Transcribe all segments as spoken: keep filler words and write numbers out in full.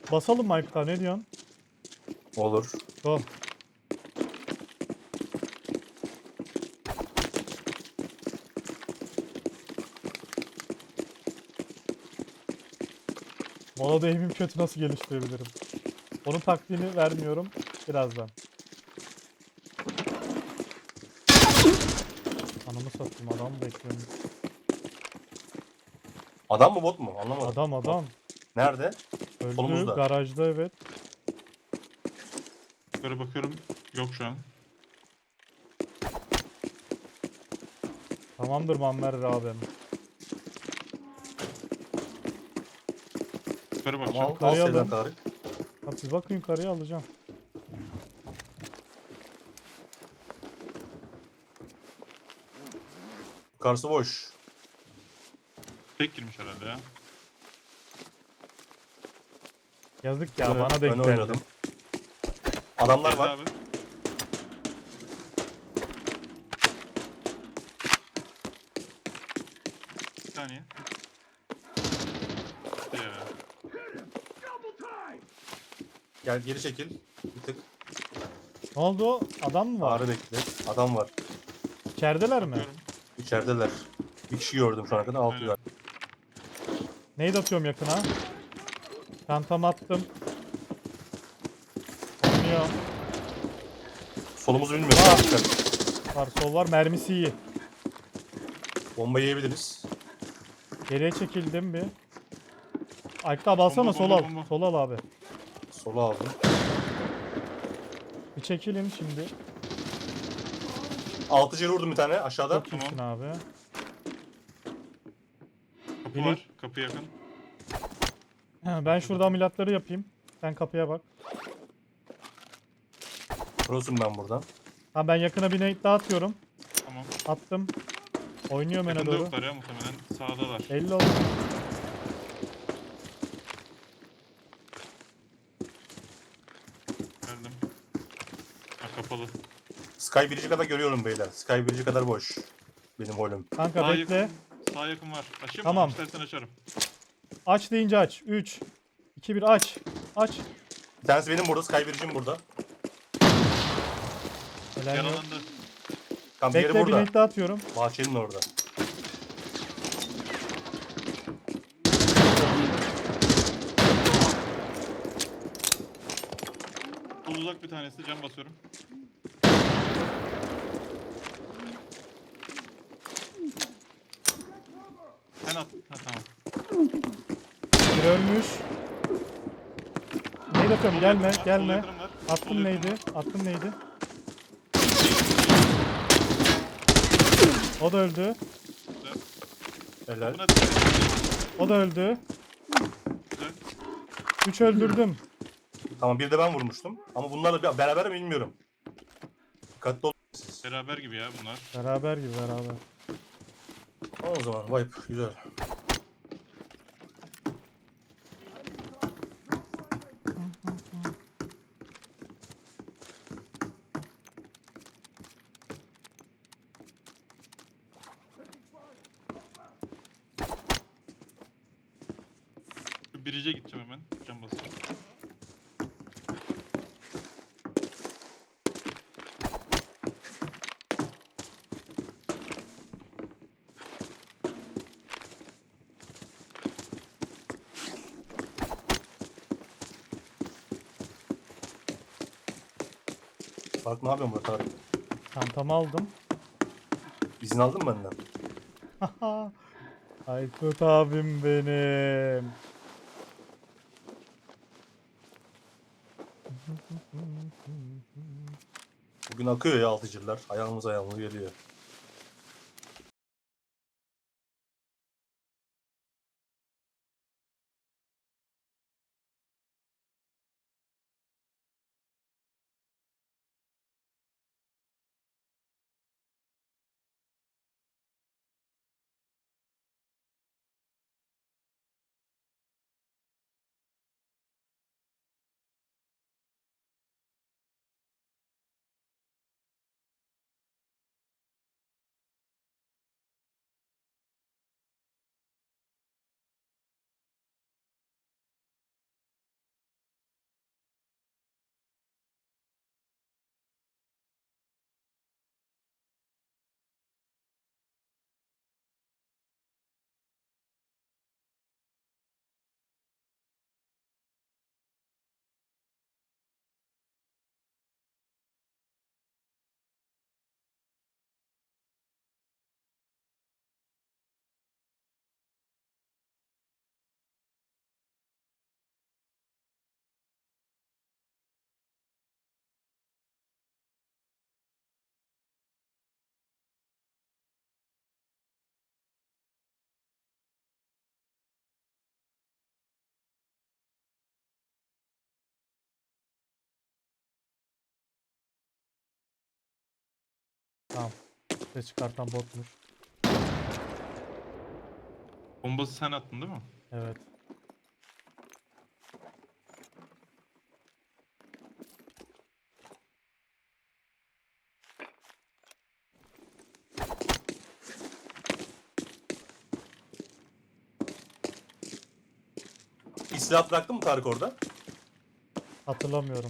Basalım mı Aykut abi, ne diyorsun? Olur. Go. Molada aim'im kötü, nasıl geliştirebilirim? Onun taktiğini vermiyorum birazdan. Anamı satayım, adam bekliyorum. Adam mı bot mu? Anlamadım. Adam adam. Nerede? Öldü Solumuzda. garajda, evet. Yukarı bakıyorum. Yok şu an. Tamamdır Muammer abim. Yukarı Ama bakacağım. al, al Yukarıya Seyden alın. Tarık. Ha, siz bakın, yukarıya alacağım. Yukarısı boş. Tek girmiş herhalde ya. Yazık ya, Öne- bana denk öne geldi. oynadım. Adamlar Geldi var. abi. Bir saniye. İşte ya. Gel geri çekil. Bir tık. Ne oldu? Adam mı var? Ağrı bekle. Adam var. İçerideler mi? Bakıyorum. İçerideler. Bir kişi gördüm şu ana kadar. Altı Aynen. var. Neydi atıyorum yakına? Çantamı attım. Oynuyor. Solumuzu bilmiyorum. Aa! Çıkar. Var, sol var, mermisi iyi. Bomba yiyebiliriz. Geriye çekildim bir. Aykut abi alsana, Bomba, sol bomba, al. bomba. Sol al abi. Sola aldım. Bir çekilin şimdi. Altı ceri vurdum bir tane aşağıda. Çok iyisin abi. Kapı Biri- var. Kapı yakın. He, ben şurada ameliyatları yapayım. Sen kapıya bak. Prosum ben buradan. Ha, ben yakına bir nade daha atıyorum. Tamam. Attım. Oynuyorum öne Yakında doğru. yoklar ya muhtemelen. Sağdalar. elli oldu. Geldim. Ha kapalı. Sky Bridge'i kadar görüyorum beyler. Sky Bridge'i kadar boş. Benim holüm. Kanka Sağ bekle. yakın. Sağ yakın var. Açayım Tamam. mı? İstersen açarım. Aç deyince aç. üç, iki, bir aç. Aç. Bir tanesi benim burada. Sky Bridge'im burada. Helal yok. Yaralandı. Tam diğeri Bekle, bir burada. nade daha atıyorum. Bahçenin orada. Sol uzak bir tanesi. Cam basıyorum. Sen at. Ha tamam. Bir ölmüş. Nade atıyorum, Sol gelme yakın var, gelme. Sol yakınım var. Sol Attım yakınım neydi? var. Attım neydi? O da öldü. Güzel. Helal. Buna dikkat edin. O da öldü. Güzel. üç öldürdüm. Tamam bir de ben vurmuştum. Ama bunlarla bir- beraber mi bilmiyorum. Dikkatli olun siz. Beraber gibi ya bunlar. Beraber gibi, beraber. Tamam o zaman. Vibe. Güzel. Şu birice gideceğim hemen. Cam basıyorum. Bak ne yapıyorsun burada Tarık? Çantamı aldım. İzin aldın mı benden? Aykut abim benim. Bugün akıyor ya altıcılar. Ayağımız ayağımız geliyor. Tamam. Ses çıkartan botmuş. Bombası sen attın değil mi? Evet. İlk silah bıraktın mı Tarık orada? Hatırlamıyorum.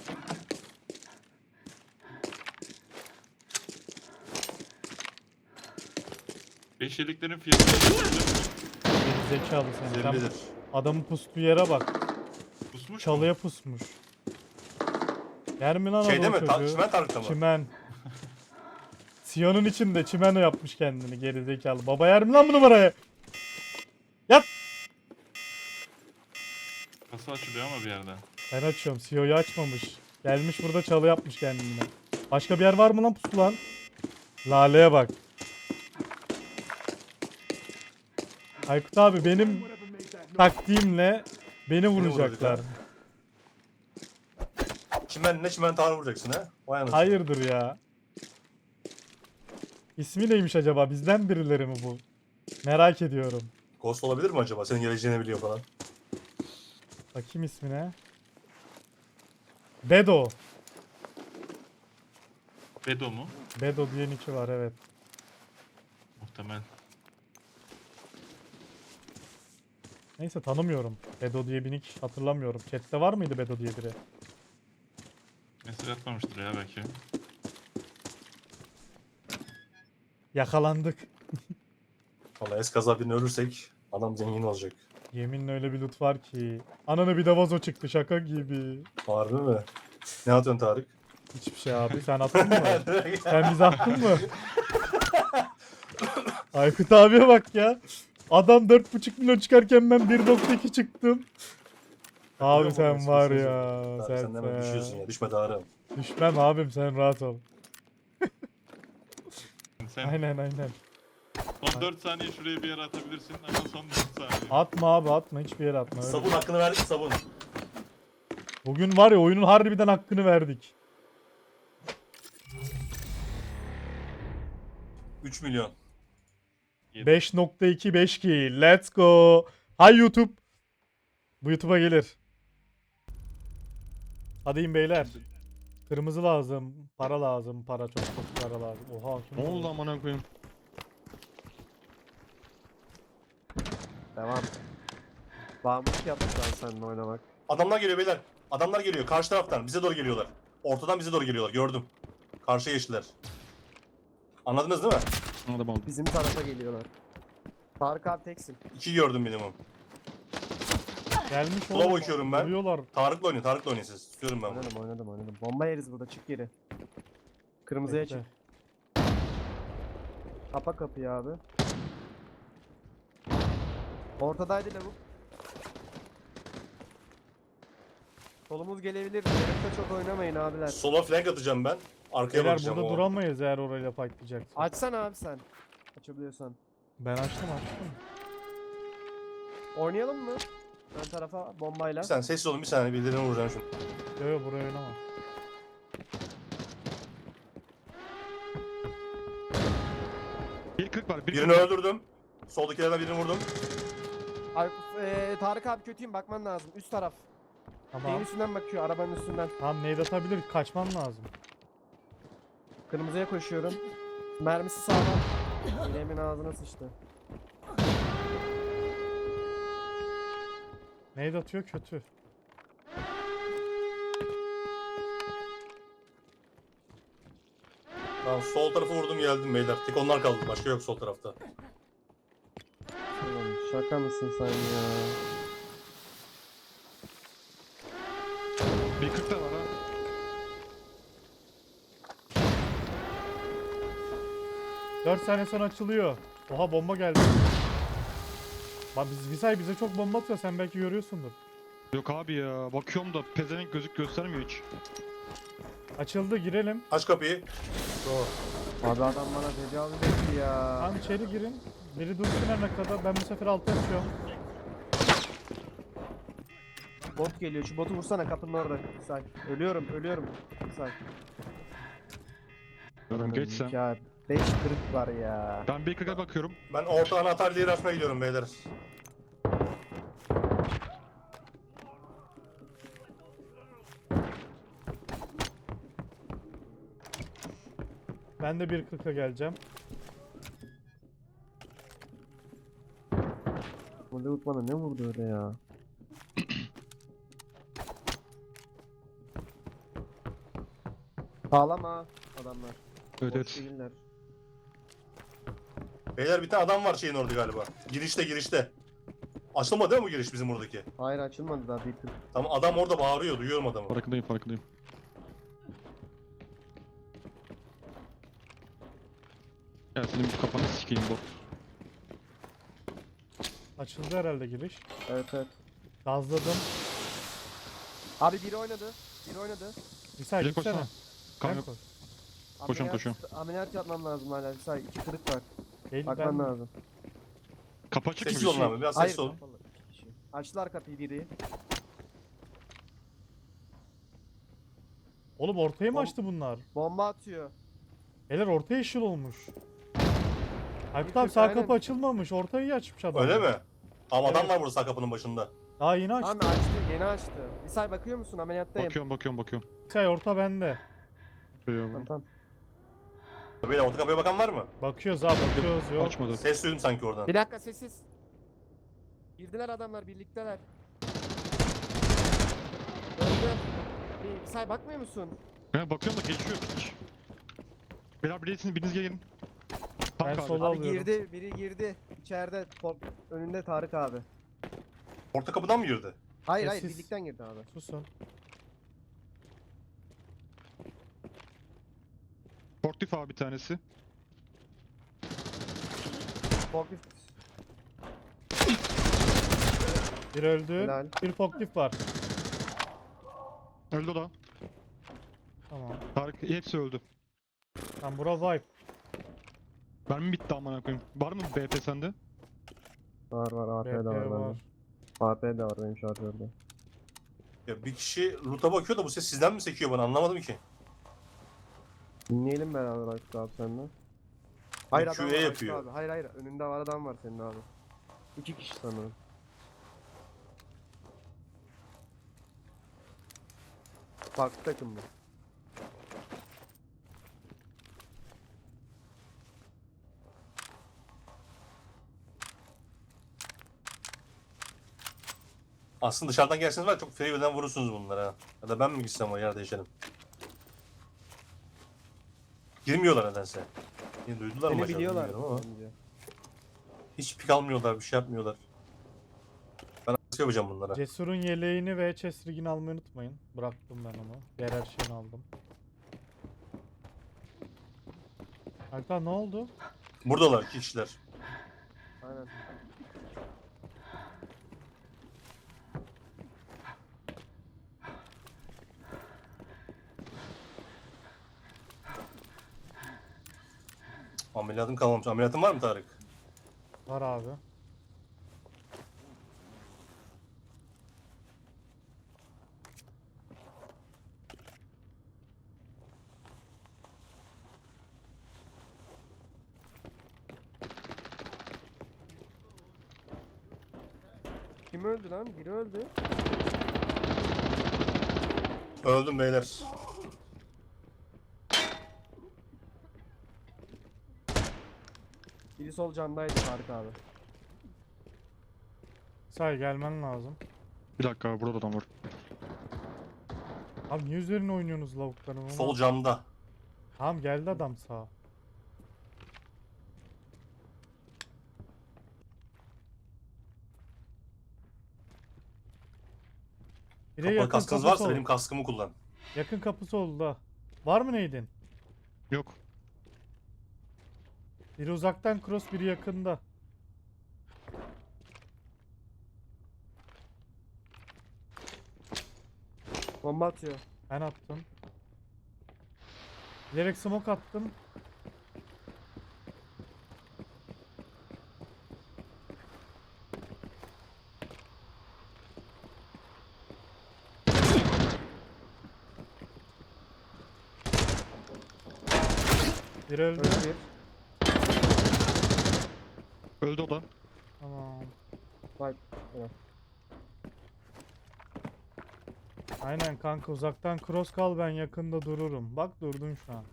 Beş yeleklerin fiyatı Geri zekalı sen. Sen Zerridir. adamın pustuğu yere bak. pusmuş mu? Çalıya pusmuş. Yer mi lan Şeyde adam mi? Ta çocuğu? Çimen Tarık'ta mı? Çimen. Siyon'un içinde çimen yapmış kendini geri zekalı. Baba yer mi lan bu numarayı? Yat! Kasa açılıyor ama bir yerde. Ben açıyorum. C E O'yu açmamış. Gelmiş burada çalı yapmış kendine. Başka bir yer var mı lan pusulan? Lale'ye bak. Aykut abi benim taktiğimle beni vuracaklar. vuracaklar. Çimen ne çimen Tarık vuracaksın ha? Vay anasını. Hayırdır ya? İsmi neymiş acaba? Bizden birileri mi bu? Merak ediyorum. Ghost olabilir mi acaba? Senin geleceğini biliyor falan. Bakayım ismine. Bedo. Bedo mu? Bedo diye nicki var evet. Muhtemel. Neyse tanımıyorum. Bedo diye bir nick hatırlamıyorum. Chat'te var mıydı Bedo diye biri? Mesaj atmamıştır ya belki. Yakalandık. Valla eskaza birini ölürsek adam zengin olacak. Yeminle öyle bir loot var ki. Ananı bir de vazo çıktı şaka gibi. Harbi mi? Ne atıyorsun Tarık? Hiçbir şey abi sen attın mı? Sen bize attın mı? Aykut abiye bak ya. Adam dört buçuk milyon çıkarken ben bir nokta iki çıktım. Abi sen var ya. Tarık, Sen, sen de hemen düşüyorsun ya. Düşme Tarık. Düşmem abim sen rahat ol. Sen Aynen aynen. son dört saniye şuraya bir yere atabilirsin ama son dört saniye. Atma abi atma hiçbir yere atma. öyle. Sabun hakkını verdik sabun. Bugün var ya oyunun harbiden hakkını verdik. üç milyon. beş nokta iki beş ki. Let's go. Hay YouTube. Bu YouTube'a gelir. Hadi in beyler. Kırmızı lazım. Para lazım. Para çok çok para lazım. Oha. şunu Ne oldu da- amına koyayım? Devam. Bağımlılık yaptık lan seninle oynamak. Adamlar geliyor beyler. Adamlar geliyor karşı taraftan. Bize doğru geliyorlar. Ortadan bize doğru geliyorlar. Gördüm. Karşıya geçtiler. Anladınız değil mi? Adam aldı. Bizim tarafa geliyorlar. Tarık abi teksin. İki gördüm minimum. Gelmiş Sola oğlum. bakıyorum ben. Vuruyorlar. Tarık'la oynayın. Tarık'la oynayın siz. Tutuyorum ben bunu. Oynadım oynadım oynadım. Bomba yeriz burada çık geri. Kırmızıya Bekle. çık. Kapa kapıyı abi. Ortadaydı lavuk. Solumuz gelebilir. Yarıkta çok oynamayın abiler. Sola flank atacağım ben. Arkaya Beyler bakacağım. burada o. duramayız eğer orayla fightlayacaksın. Açsana abi sen. Açabiliyorsan. Ben açtım açtım. Oynayalım mı? Ön tarafa bombayla. Bir saniye sessiz olun bir saniye. Birilerine vuracağım şunu. Yo yo buraya oynama. bir kırk var. bir Birini kırk. öldürdüm. Soldakilerden birini vurdum. Ay, eee, Tarık abi kötüyüm bakman lazım. Üst taraf. Şeyin Tamam. üstünden bakıyor arabanın üstünden. Tamam nade atabilir. Kaçman lazım. Kırmızıya koşuyorum. Mermisi sağlam. Bileğimin ağzına sıçtı. Nade atıyor kötü. Tamam sol tarafı vurdum geldim beyler. Tek onlar kaldı. Başka yok sol tarafta. Oğlum, şaka mısın sen ya? bir kırk da var ha. dört saniye sonra açılıyor. Oha bomba geldi. Bak biz Visay bize çok bomba atıyor. Sen belki görüyorsundur. Yok abi ya. Bakıyorum da pezevenk gözük göstermiyor hiç. Açıldı girelim. Aç kapıyı. Abi adam bana tecavüz etti ya. Tamam içeri girin. Biri dursun ne kadar. Ben bu sefer altı açıyorum. Bot geliyor. Şu botu vursana kapının orada. Say. Ölüyorum, ölüyorum. Say. Görün geçsem. Ya beş kırık var ya. Ben bir kırka bakıyorum. Ben orta anahtar diye açmaya gidiyorum beyler. Ben de bir kırka geleceğim. Bu Leut bana ne vurdu öyle ya? Sağlam ha adamlar. Evet Boş evet. değiller. Beyler bir tane adam var şeyin orada galiba. Girişte girişte. Açılmadı değil mi bu giriş bizim buradaki? Hayır açılmadı daha bir tık. Tamam adam orada bağırıyor duyuyorum adamı. Farkındayım farkındayım. Gel senin bir kafanı sikeyim bot. Açıldı herhalde giriş. Evet evet. Gazladım. Abi biri oynadı. Biri oynadı. İsa Direkt gitsene. koşsana. Kan Ben yok. koş. Koşuyorum, Ameliyat- koşuyorum. Ameliyat yapmam lazım hala. Bir say iki kırık var. Değil Bakman ben. lazım. Kapı açık Sessiz gibi. olun abi biraz Hayır. sessiz olun. kapalı. İki kişi. Açtılar kapıyı biri. Oğlum ortaya mı Bom- açtı bunlar? Bomba atıyor. Beyler orta yeşil olmuş. Aykut abi kırk, sağ aynen. kapı açılmamış. Ortayı açmış adam. Öyle mi? Ama adam Evet. var burada sağ kapının başında. Daha yeni açtı. Abi açtı. Yeni açtı. Bir say bakıyor musun? Ameliyattayım. Bakıyorum bakıyorum bakıyorum. İsay orta bende. Tamam tamam. Beyler orta kapıya bakan var mı? Bakıyoruz abi bakıyoruz yok. Açmadı. Ses duydum sanki oradan. Bir dakika sessiz. Girdiler adamlar birlikteler. Öldü. Bir, bir say bakmıyor musun? Ben bakıyorum da geçiyor hiç. Beyler birisini biriniz gelin. Tam Ben kahve. sola Abi alıyorum. girdi. Biri girdi. İçeride. Top, önünde Tarık abi. Orta kapıdan mı girdi? Hayır hayır Sessiz. birlikten girdi abi. Susun. Portif abi bir tanesi. Forklift. Bir öldü. Helal. Bir forklift var. Öldü o da. Tamam. Tarık hepsi öldü. Tamam bura wipe. Mermi bitti amına koyayım. Var mı B P sende? Var var A P B de var P bende. var. A P de var benim şarjörde. Ya bir kişi loot'a bakıyor da bu ses sizden mi sekiyor bana anlamadım ki. Dinleyelim beraber Aykut abi seninle. Hayır adam Q A var Aykut yapıyor. abi. Hayır hayır önünde var adam var senin abi. İki kişi sanırım. Farklı takım bu. Aslında dışarıdan gelseniz var ya, çok freeware'den vurursunuz bunlara ha. Ya da ben mi gitsem o yer değişelim. Girmiyorlar nedense. Yine duydular mı Seni acaba biliyorlar. bilmiyorum ama. bence. Hiç pik almıyorlar, bir şey yapmıyorlar. Ben nasıl yapacağım bunlara? Cesur'un yeleğini ve chest rig'ini almayı unutmayın. Bıraktım ben onu. Diğer her şeyini aldım. Hatta ne oldu? Buradalar iki kişiler. Aynen. Ameliyatım kalmamış. Ameliyatın var mı Tarık? Var abi. Kim öldü lan? Biri öldü. Öldüm beyler. Biri sol camdaydı Tarık abi. Say gelmen lazım. Bir dakika abi burada da adam var. Abi niye üzerine oynuyorsunuz lavukların? onu? Sol camda. Tamam geldi adam sağa. Bir de Kapalı yakın kaskınız kapısı varsa oldu. benim kaskımı kullan. Yakın kapısı oldu da. Var mı neydin? Yok. Biri uzaktan cross, biri yakında. Bomba atıyor. Ben attım. Bilerek smoke attım. Bir öldü. Öldü bir. Öldü o da. Tamam. Bak. Evet. Aynen kanka uzaktan cross kal, ben yakında dururum. Bak durdun şu an.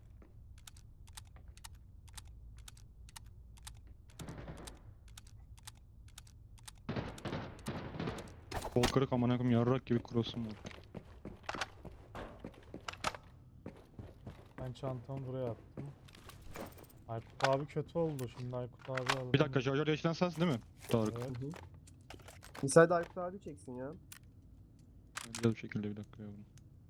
Kol kırık amına koyayım, yarrak gibi cross'um var. Ben çantamı buraya attım. Aykut abi kötü oldu. Şimdi Aykut abi alalım. Bir dakika, şarjör değiştiren sensin değil mi? Tarık. Evet. Hı hı. Misal de Aykut abi çeksin ya. Güzel bir şekilde, bir dakika yavrum.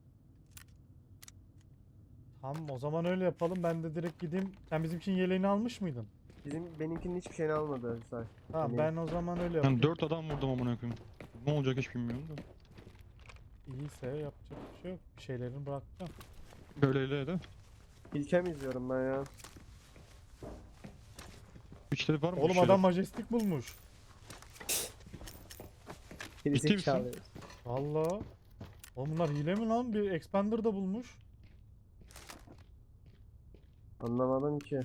Tamam, o zaman öyle yapalım. Ben de direkt gideyim. Sen bizimkinin yeleğini almış mıydın? Bizim benimkinin hiçbir şeyini almadı Misal. Tamam, Benim- ben o zaman öyle yapayım. Ben dört adam vurdum amına koyayım. Ne olacak hiç bilmiyorum da. İyiyse yapacak bir şey yok. Bir şeylerini bırakacağım. Böyleyle de. İlkem izliyorum ben ya. Güçleri var mı? Oğlum güçleri? adam majestik bulmuş. Birisi Ciddi misin? çağırıyor. Valla. Oğlum bunlar hile mi lan? Bir expander da bulmuş. Anlamadım ki.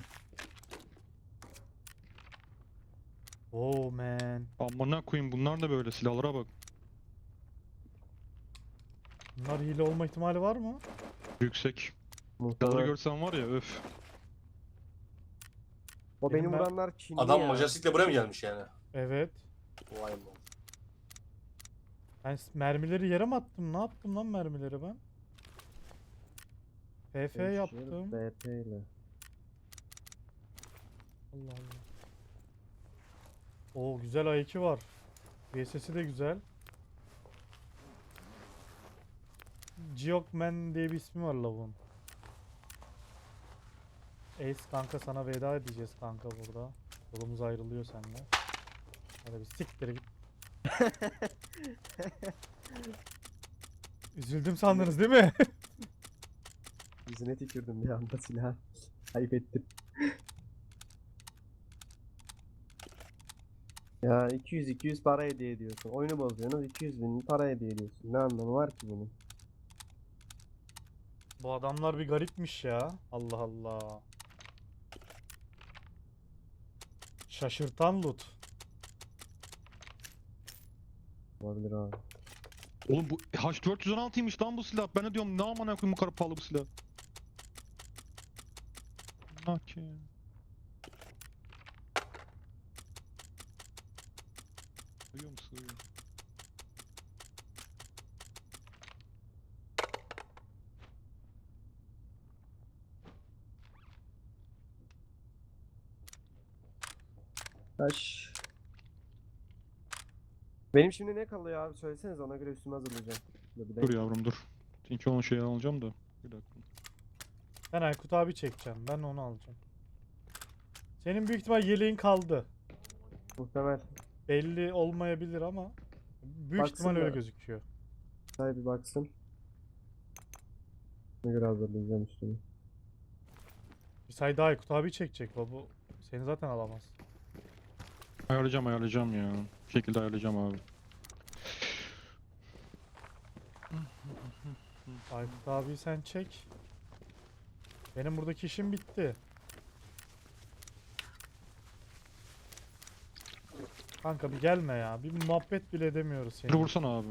Oh man. Amına koyayım, bunlar da böyle, silahlara bak. Bunlar hile olma ihtimali var mı? Yüksek. Silahları Muhtemelen. görsen var ya, öf. O Benim beni ben- vuranlar Çinli Adam ya. Majestik'le buraya mı gelmiş yani? Evet. Vay be. Ben s- mermileri yere mi attım? Ne yaptım lan mermileri ben? F F yaptım. B P ile. Allah Allah. Oo güzel A iki var. V S S'i de güzel. Geokman diye bir ismi var lavuğun. Ace kanka, sana veda edeceğiz kanka burada. Yolumuz ayrılıyor seninle. Hadi bir siktir git. Üzüldüm sandınız değil mi? Yüzüne tükürdüm bir anda silah. Ayıp ettim. Ya iki yüz iki yüz para hediye ediyorsun. Oyunu bozuyorsunuz, iki yüz bin para hediye ediyorsun. Ne anlamı var ki bunun? Bu adamlar bir garipmiş ya. Allah Allah. Şaşırtan loot. Olabilir abi. Oğlum bu H dört yüz on altıymış lan bu silah. Ben de diyorum, ne amına koyayım bu kadar pahalı bu silah. Ne ki? Duyuyor musun? Taş. Benim şimdi ne kalıyor abi, söyleseniz ona göre üstümü hazırlayacağım. Dur, bir Dur dakika. yavrum dur. Çünkü onun şeyi alacağım da. Bir dakika. Ben Aykut abi çekeceğim. Ben onu alacağım. Senin büyük ihtimal yeleğin kaldı. Muhtemel. Belli olmayabilir ama büyük Baksın ihtimal öyle da. gözüküyor. Say bir baksın. Ne göre hazırlayacağım üstümü. Bir sayda Aykut abi çekecek. O bu seni zaten alamaz. Ayarlayacağım ayarlayacağım ya. Bir şekilde ayarlayacağım abi. Aykut abi sen çek. Benim buradaki işim bitti. Kanka bir gelme ya. Bir muhabbet bile edemiyoruz Bir seni. vursana abi.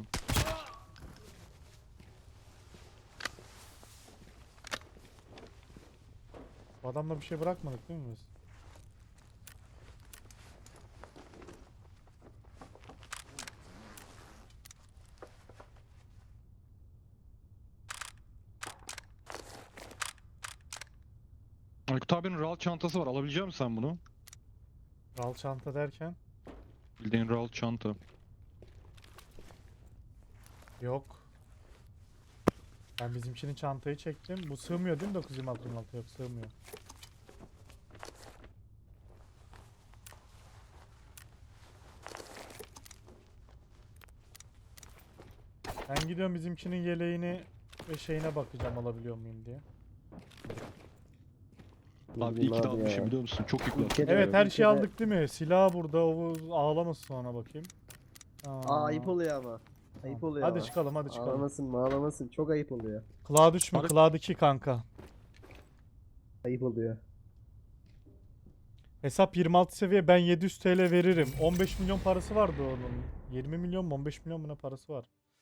Bu adamla bir şey bırakmadık değil mi biz? Aykut abinin R A L çantası var. Alabilecek misin sen bunu? Ral çanta derken? Bildiğin R A L çanta. Yok. Ben bizimkinin çantayı çektim. Bu sığmıyor değil mi dokuz yirmi altı yirmi altı? Yok, sığmıyor. Ben gidiyorum bizimkinin yeleğini ve şeyine bakacağım alabiliyor muyum diye. Abi Bilmiyorum iyi ki de abi almışım ya. biliyor musun? Çok yükle İlk kere- Evet, her bir şeyi kere- aldık değil mi? Silah burada. O ağlamasın sonra bakayım. Aa, ayıp oluyor ama. Ayıp Tamam. oluyor Hadi ama. çıkalım, hadi çıkalım. Ağlamasın ağlamasın, çok ayıp oluyor. Cloud üç mü? Tarık- Cloud iki kanka. Ayıp oluyor. Hesap yirmi altı seviye, ben yedi yüz T L veririm. on beş milyon parası vardı onun. yirmi milyon mu on beş milyon mu ne parası var?